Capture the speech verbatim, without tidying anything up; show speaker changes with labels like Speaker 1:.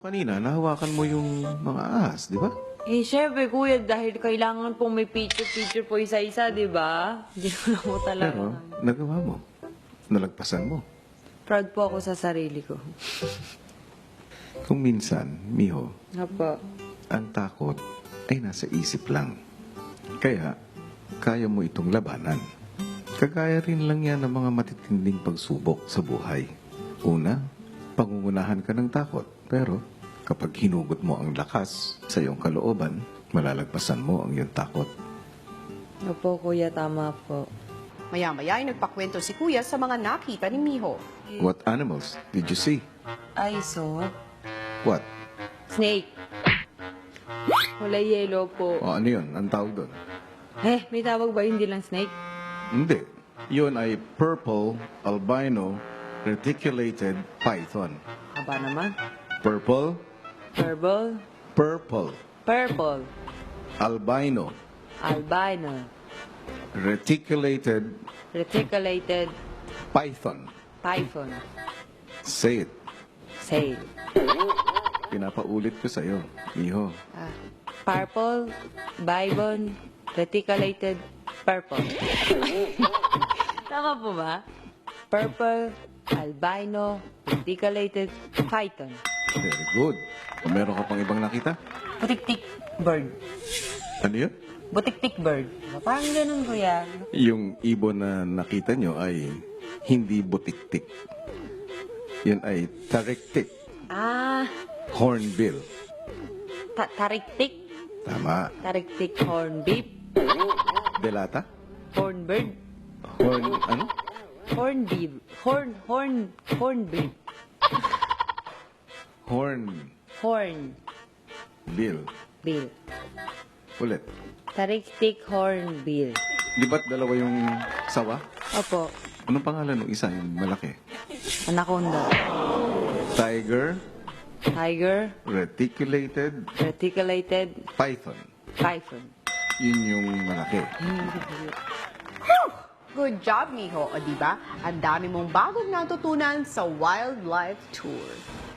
Speaker 1: Kanina, nahawakan mo yung mga ahas, di ba?
Speaker 2: Eh, syempre, kuya, dahil kailangan pong may picture-picture po isa-isa, di ba? Hindi ko na po talaga.
Speaker 1: Pero, nagawa mo. Nalagpasan mo.
Speaker 2: Proud po ako sa sarili ko.
Speaker 1: Kung minsan, Miho,
Speaker 2: Apo.
Speaker 1: ang takot ay nasa isip lang. Kaya, kaya mo itong labanan. Kagaya rin lang yan ng mga matitinding pagsubok sa buhay. Una, pangungunahan ka ng takot. Pero, kapag hinugot mo ang lakas sa iyong kalooban, malalagpasan mo ang iyong takot.
Speaker 2: Opo, kuya, tama po.
Speaker 3: Maya-maya ay nagpakwento si Kuya sa mga nakita ni Miho.
Speaker 1: What animals did you see?
Speaker 2: I saw
Speaker 1: What?
Speaker 2: snake. Wala yellow po.
Speaker 1: O ano yun? Ang tawag doon?
Speaker 2: Eh, may tawag ba hindi lang snake?
Speaker 1: Hindi. Yun ay purple albino reticulated python.
Speaker 2: Aba naman.
Speaker 1: Purple,
Speaker 2: Purple.
Speaker 1: purple,
Speaker 2: Purple.
Speaker 1: albino,
Speaker 2: Albino.
Speaker 1: reticulated
Speaker 2: Reticulated
Speaker 1: python.
Speaker 2: python.
Speaker 1: Say it.
Speaker 2: Say.
Speaker 1: Pinapaulit ko sa'yo, Miho.
Speaker 2: Ah, purple, bibon, reticulated, purple. Tama po ba? Purple, albino, reticulated, python.
Speaker 1: Very good. O meron ka pang ibang nakita?
Speaker 2: Butik-tik bird.
Speaker 1: Ano yun?
Speaker 2: Butik-tik bird. Parang ganun, kuya.
Speaker 1: Yung ibon na nakita nyo ay hindi butik-tik. Yun ay tariktik,
Speaker 2: Ah,
Speaker 1: hornbill.
Speaker 2: ta tariktik.
Speaker 1: Tama.
Speaker 2: Tariktik hornbeep.
Speaker 1: Delata?
Speaker 2: Hornbird.
Speaker 1: Horn, ano?
Speaker 2: Hornbeep. Horn, horn, hornbeep.
Speaker 1: Horn
Speaker 2: Horn.
Speaker 1: bill.
Speaker 2: Bill.
Speaker 1: Ulit.
Speaker 2: Tariktik hornbill.
Speaker 1: Di ba't dalawa yung sawa?
Speaker 2: Opo.
Speaker 1: Anong pangalan ng isa yung malaki?
Speaker 2: Anaconda.
Speaker 1: Tiger,
Speaker 2: Tiger.
Speaker 1: reticulated
Speaker 2: Reticulated
Speaker 1: python.
Speaker 2: python.
Speaker 1: Yun yung malaki.
Speaker 3: Good job, Miho. O diba? Ang dami mong bagong natutunan sa Wildlife Tour.